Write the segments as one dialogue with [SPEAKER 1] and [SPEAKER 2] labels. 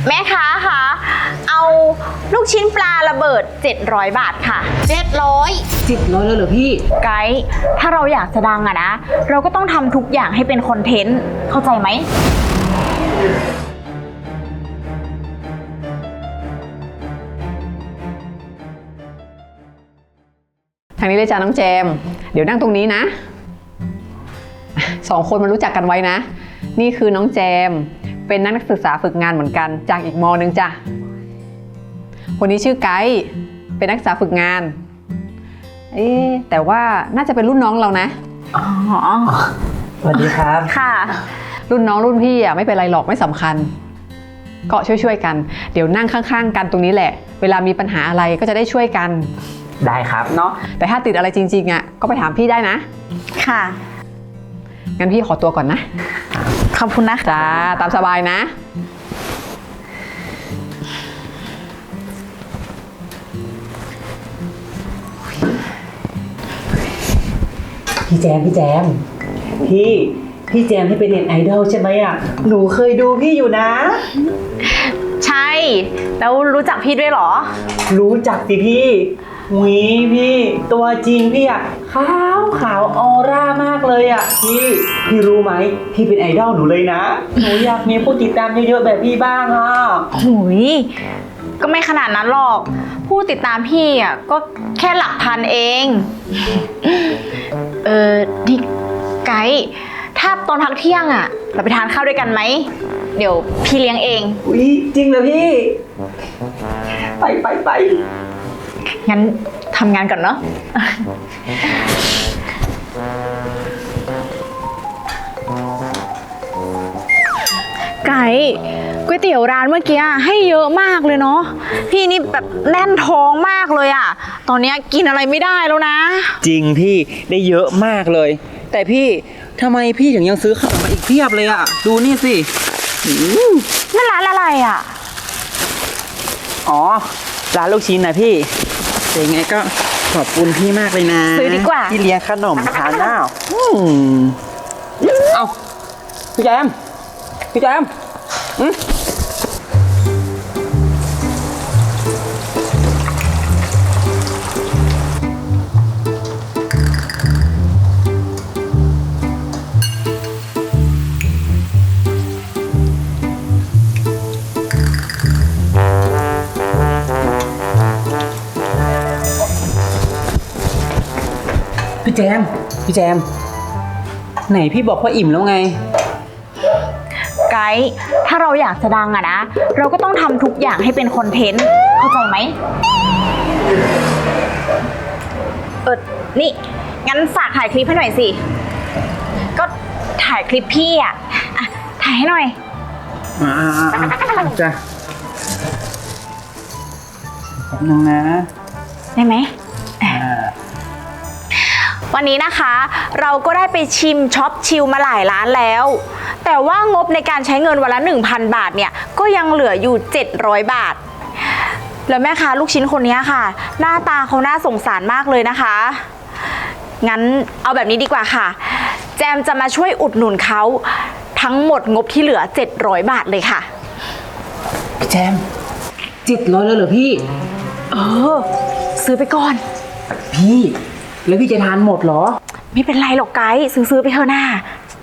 [SPEAKER 1] แม่ค้าคะเอาลูกชิ้นปลาระเบิด700 บาทค่ะ
[SPEAKER 2] 700แล้วเหรอพี่
[SPEAKER 1] ไกด์ถ้าเราอยากจะดังอะนะเราก็ต้องทำทุกอย่างให้เป็นคอนเทนต์เข้าใจไหม
[SPEAKER 2] ทางนี้เลยจ้าน้องแจมเดี๋ยวนั่งตรงนี้นะ2 คนมารู้จักกันไว้นะนี่คือน้องแจมเป็นนักศึกษาฝึกงานเหมือนกันจากอีกม.นึงจ้ะคนนี้ชื่อไกด์เป็นนักศึกษาฝึกงานแต่ว่าน่าจะเป็นรุ่นน้องเรานะ
[SPEAKER 1] อ๋อ
[SPEAKER 3] สวัสดีครับ
[SPEAKER 1] ค่ะ
[SPEAKER 2] รุ่นน้องรุ่นพี่อ่ะไม่เป็นไรหรอกไม่สำคัญก็ช่วยกันเดี๋ยวนั่งข้างๆกันตรงนี้แหละเวลามีปัญหาอะไรก็จะได้ช่วยกัน
[SPEAKER 3] ได้ครับ
[SPEAKER 2] เนาะแต่ถ้าติดอะไรจริงๆอ่ะก็ไปถามพี่ได้นะ
[SPEAKER 1] ค่ะ
[SPEAKER 2] งั้นพี่ขอตัวก่อนนะ
[SPEAKER 1] ขอบคุณนะ
[SPEAKER 2] จ้าตามสบายนะ
[SPEAKER 3] พี่แจมพี่แจมที่เป็นเน็ตไอดอลใช่ไหมอ่ะหนูเคยดูพี่อยู่นะ
[SPEAKER 1] ใช่แล้วรู้จักพี่ด้วยเหรอ
[SPEAKER 3] รู้จักสิพี่พี่ตัวจริงพี่อ่ะขาวออร่ามากเลยอ่ะพี่รู้ไหมพี่เป็นไอดอลหนูเลยนะหนูอยากมีผู้ติดตามเยอะๆแบบพี่บ้างอ่ะ
[SPEAKER 1] หุยก็ไม่ขนาดนั้นหรอกผู้ติดตามพี่อ่ะก็แค่หลักพันเองนี่ไกด์ถ้าตอนพักเที่ยงอ่ะเราไปทานข้าวด้วยกันไหมเดี๋ยวพี่เลี้ยงเอง
[SPEAKER 3] จริงเหรอพี่ไป
[SPEAKER 1] งั้นทำงานก่อนเนาะไก่ก๋วยเตี๋ยวร้านเมื่อกี้ให้เยอะมากเลยเนาะพี่นี่แบบแน่นท้องมากเลยอ่ะตอนนี้กินอะไรไม่ได้แล้วนะ
[SPEAKER 3] จริงพี่ได้เยอะมากเลยแต่พี่ทำไมพี่ถึงยังซื้อขนมมาอีกเพียบเลยอ่ะดูนี่สิ
[SPEAKER 1] นั่นร้านอะไรอ่ะ
[SPEAKER 3] อ๋อร้านลูกชิ้นนะพี่ยังไงก็ขอบคุณพี่มากเลยนะ
[SPEAKER 1] ซื้อดีกว่า
[SPEAKER 3] ที่เลี้ยงขนมทานหน้าเอาพี่แจมพี่แจมไหนพี่บอกว่าอิ่มแล้วไง
[SPEAKER 1] ไกด์ถ้าเราอยากจะดังอะนะเราก็ต้องทำทุกอย่างให้เป็นคอนเทนต์เข้าใจไหมนี่งั้นฝากถ่ายคลิปให้หน่อยสิก็ถ่ายคลิปพี่อะถ่ายให้หน่อย
[SPEAKER 3] จ้ะแป๊บนึงนะ
[SPEAKER 1] ได้ไหมวันนี้นะคะเราก็ได้ไปชิมช็อปชิลมาหลายร้านแล้วแต่ว่างบในการใช้เงินวันละ 1,000 บาทเนี่ยก็ยังเหลืออยู่700 บาทแล้วแม่ค้าลูกชิ้นคนนี้ค่ะหน้าตาเขาน่าสงสารมากเลยนะคะงั้นเอาแบบนี้ดีกว่าค่ะแจมจะมาช่วยอุดหนุนเขาทั้งหมดงบที่เหลือ700 บาทเลยค่ะ
[SPEAKER 3] พี่แจม700แล้วเหรอพี่
[SPEAKER 1] ซื้อไปก่อน
[SPEAKER 3] พี่แล้วพี่จะทานหมดเหรอ
[SPEAKER 1] ไม่เป็นไรหรอกไกด์ซื้อไปเถอะหน้า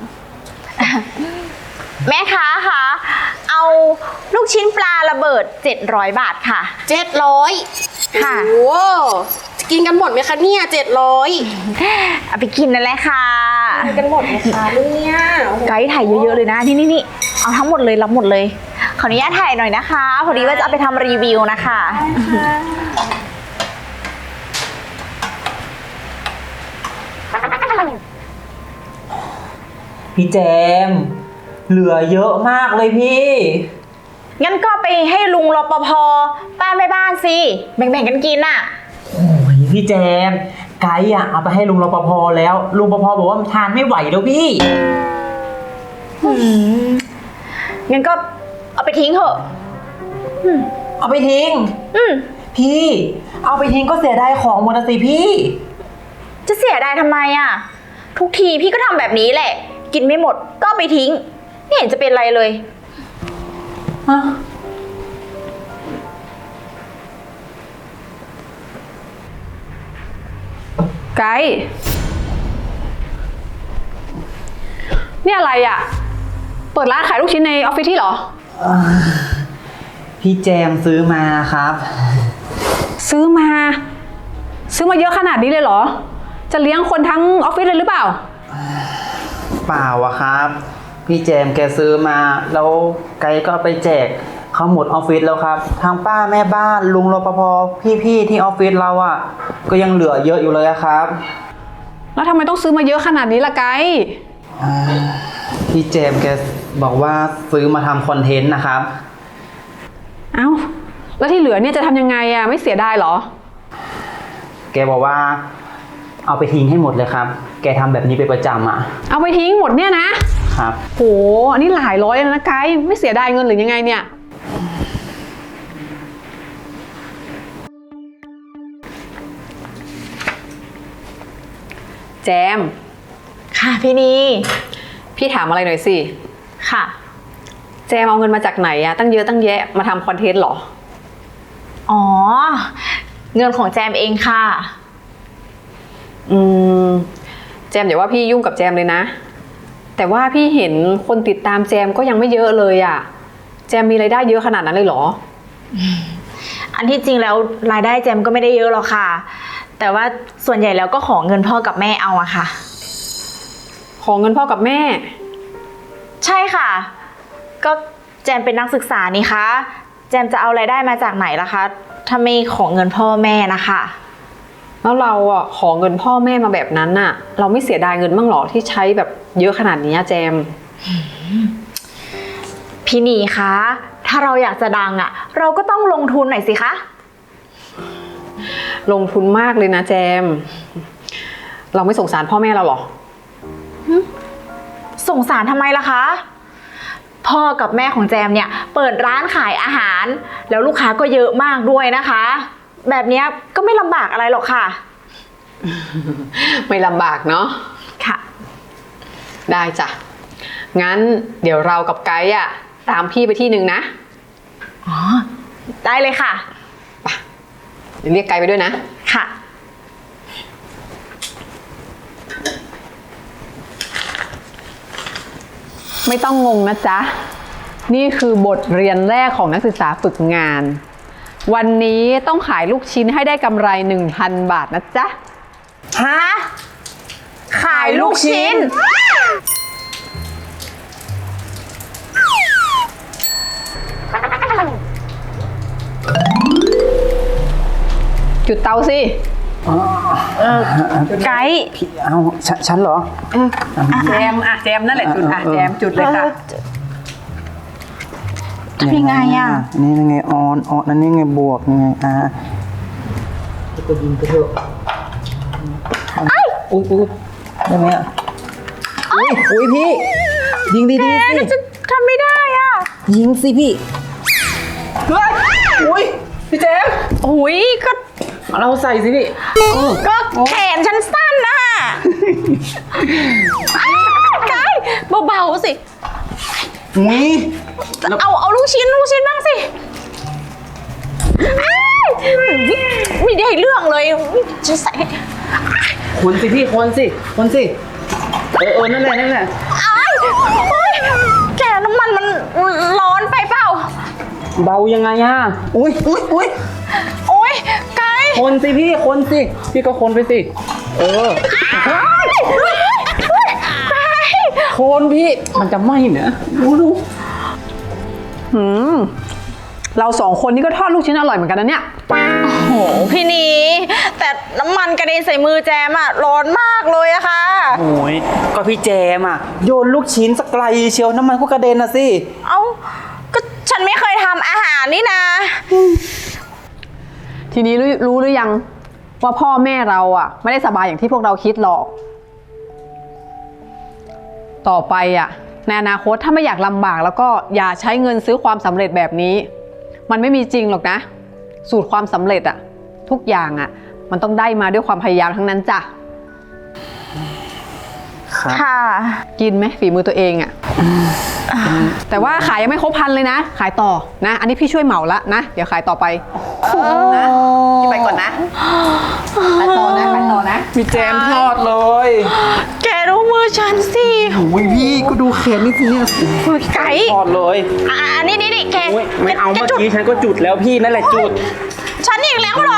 [SPEAKER 1] แม่ค้าค่ะเอาลูกชิ้นปลาระเบิด700 บาทค่ะ
[SPEAKER 4] 700
[SPEAKER 1] ค่ะ
[SPEAKER 4] โอ้จะกินกันหมดไหมคะเนี่ย700
[SPEAKER 1] เอาไปกินนั่นแหละค่ะ
[SPEAKER 4] กินกันหมดไหมคะเนี่ย
[SPEAKER 1] ไกด์ถ่ายเยอะๆเลยนะนี่เอาทั้งหมดเลยรับหมดเลยขออนุญาตถ่ายหน่อยนะคะพอดีว่าจะเอาไปทำรีวิวนะคะ
[SPEAKER 3] พี่แจมเหลือเยอะมากเลยพี่
[SPEAKER 1] งั้นก็ไปให้ลุงรปภป้าแม่บ้านสิแบ่งกันกินน่ะ
[SPEAKER 3] โอ้ยพี่แจมไกด์อ่ะเอาไปให้ลุงรปภแล้วลุงรปภบอกว่ามันทานไม่ไหวแล้วพี่
[SPEAKER 1] งั้นก็เอาไปทิ้งเถอะ
[SPEAKER 3] เอาไปทิ้งพี่เอาไปทิ้งก็เสียดายของหมดสิพี่
[SPEAKER 1] จะเสียดายทำไมอ่ะทุกทีพี่ก็ทำแบบนี้แหละกินไม่หมดก็ไปทิ้งไม่เห็นจะเป็นไรเลย
[SPEAKER 2] ไกด์นี่อะไรอ่ะ เปิดร้านขายลูกชิ้นในออฟฟิศที่เหรอ
[SPEAKER 3] พี่แจมซื้อมาครับ
[SPEAKER 2] ซื้อมาเยอะขนาดนี้เลยเหรอ จะเลี้ยงคนทั้งออฟฟิศเลยหรือเปล่า
[SPEAKER 3] เปล่าอะครับ พี่แจมแกซื้อมาแล้วไกด์ก็เอาไปแจกเขาหมดออฟฟิศแล้วครับทางป้าแม่บ้านลุงรปภพี่ๆที่ออฟฟิศเราอะก็ยังเหลือเยอะอยู่เลยอะครับ
[SPEAKER 2] แล้วทำไมต้องซื้อมาเยอะขนาดนี้ล่ะไกด์
[SPEAKER 3] พี่แจมแกบอกว่าซื้อมาทำคอนเทนต์นะครับ
[SPEAKER 2] เอ้าแล้วที่เหลือเนี่ยจะทำยังไงอ่ะไม่เสียดายเหรอ
[SPEAKER 3] แกบอกว่าเอาไปทิ้งให้หมดเลยครับ แกทำแบบนี้เป็นประจำอะ
[SPEAKER 2] เอาไปทิ้งหมดเนี่ยนะครับ โหอันนี้หลายร้อยแล้วนะไกด์ไม่เสียดายเงินหรือยังไงเนี่ยแจม
[SPEAKER 1] ค่ะพี่นี
[SPEAKER 2] พี่ถามอะไรหน่อยสิ
[SPEAKER 1] ค่ะ
[SPEAKER 2] แจมเอาเงินมาจากไหนอะตั้งเยอะตั้งแยะมาทำคอนเทนต์เหรอ
[SPEAKER 1] อ๋อ เงินของแจมเองค่ะ
[SPEAKER 2] แจมอย่าว่าพี่ยุ่งกับแจมเลยนะ แต่ว่าพี่เห็นคนติดตามแจมก็ยังไม่เยอะเลยอะแจมมีรายได้เยอะขนาดนั้นเลยเหรอ
[SPEAKER 1] อันที่จริงแล้วรายได้แจมก็ไม่ได้เยอะหรอกค่ะ แต่ว่าส่วนใหญ่แล้วก็ขอเงินพ่อกับแม่เอาอะค่ะ
[SPEAKER 2] ขอเงินพ่อกับแม่
[SPEAKER 1] ใช่ค่ะ ก็แจมเป็นนักศึกษานี่คะ แจมจะเอารายได้มาจากไหนล่ะคะ ถ้าไม่ขอเงินพ่อแม่นะคะ
[SPEAKER 2] แล้วเราอ่ะขอเงินพ่อแม่มาแบบนั้นน่ะ เราไม่เสียดายเงินบ้างหรอที่ใช้แบบเยอะขนาดนี้แจม
[SPEAKER 1] พี่นีคะ ถ้าเราอยากจะดังอะเราก็ต้องลงทุนหน่อยสิคะ
[SPEAKER 2] ลงทุนมากเลยนะแจม เราไม่สงสารพ่อแม่เราหรอ
[SPEAKER 1] สงสารทำไมล่ะคะ พ่อกับแม่ของแจมเนี่ยเปิดร้านขายอาหาร แล้วลูกค้าก็เยอะมากด้วยนะคะ แบบเนี้ยก็ไม่ลำบากอะไรหรอกค่ะ
[SPEAKER 2] ไม่ลำบากเนาะ
[SPEAKER 1] ค่ะ
[SPEAKER 2] ได้จ้ะ งั้นเดี๋ยวเรากับไกด์อ่ะตามพี่ไปที่หนึ่งนะ
[SPEAKER 1] อ๋อ ได้เลยค่ะ
[SPEAKER 2] เดี๋ยวเรียกไกด์ไปด้วยนะ
[SPEAKER 1] ค่ะ
[SPEAKER 2] ไม่ต้องงงนะจ๊ะ นี่คือบทเรียนแรกของนักศึกษาฝึกงาน วันนี้ต้องขายลูกชิ้นให้ได้กำไร 1,000 บาทนะจ๊ะ
[SPEAKER 1] ฮะ ขายลูกชิ้น
[SPEAKER 2] จุดเตาสิ
[SPEAKER 1] ไกด์
[SPEAKER 3] พี่เอาฉันเหรอ
[SPEAKER 2] แจมแจมนั่นแหละจุดแจมจุดเลยค่ะ
[SPEAKER 1] ทำยังไงอะ
[SPEAKER 3] นี่ยังไงออนนั่นยังไงบวกยังไงก็ยิงไปเถอะอุ้ยได้ไหมอ่ะอุ้ยพี่ ยิงดีๆสิ
[SPEAKER 1] จะทำไม่ได้อะ
[SPEAKER 3] ยิงสิพี่เฮ้ยอุ้ยพี่เจม
[SPEAKER 1] โอ้ยก็
[SPEAKER 3] เราใส่สิพี่
[SPEAKER 1] ก็แขนฉันสั้นนะไกด์เบาๆสิ
[SPEAKER 3] อุ้ย
[SPEAKER 1] เอาลูกชิ้นบ้างสิอ้ายไม่ได้เรื่องเลยจะใส่
[SPEAKER 3] คนสิพี่คนสินั่นแหละ
[SPEAKER 1] อ้ายโอ๊ยแกน้ำมันมันร้อนไปเปล่า
[SPEAKER 3] เบายังไงอ่ะอุ้ย
[SPEAKER 1] โอ๊ยไกด์
[SPEAKER 3] คนสิพี่คนสิพี่ก็คนไปสิคนพี่มันจะไหม้เนี่ยดู
[SPEAKER 2] เราสองคนนี้ก็ทอดลูกชิ้นอร่อยเหมือนกันนะเนี่ย
[SPEAKER 1] โอ้โหพี่นีแต่น้ำมันกระเด็นใส่มือแจมอะร้อนมากเลยอะค่ะ
[SPEAKER 3] โอ้ยก็พี่แจมอ่ะโยนลูกชิ้นสักไกลเชียวน้ำมันก็กระเด็นนะสิ
[SPEAKER 1] เอ้าก็ฉันไม่เคยทำอาหารนี่นะ
[SPEAKER 2] ทีนี้รู้หรือยังว่าพ่อแม่เราอ่ะไม่ได้สบายอย่างที่พวกเราคิดหรอก ต่อไปอ่ะในอนาคตถ้าไม่อยากลำบากแล้วก็อย่าใช้เงินซื้อความสำเร็จแบบนี้ มันไม่มีจริงหรอกนะ สูตรความสำเร็จอ่ะทุกอย่างอ่ะมันต้องได้มาด้วยความพยายามทั้งนั้นจ้ะ
[SPEAKER 1] ค่ะ
[SPEAKER 2] กินไหมฝีมือตัวเองอ่ะแต่ว่าขายยังไม่ครบ1,000เลยนะขายต่อนะอันนี้พี่ช่วยเหมาละนะเดี๋ยวขายต่อไปนะพี่ไปก่อนนะไปต่อนะ
[SPEAKER 3] มีแจมทอดเลย
[SPEAKER 1] แกดูมือฉันสิ
[SPEAKER 3] โอ้ยพี่ก็ดูแขนนี่สิเนี่ย
[SPEAKER 1] ไก่
[SPEAKER 3] ทอดเลย
[SPEAKER 1] นี่แก
[SPEAKER 3] โอ้ยไม่เอา
[SPEAKER 1] แก
[SPEAKER 3] เมื่อ
[SPEAKER 1] จุด
[SPEAKER 3] กี้ฉันก็จุดแล้วพี่นั่นแหละจุด
[SPEAKER 1] ฉันอีกแล้วเหรอ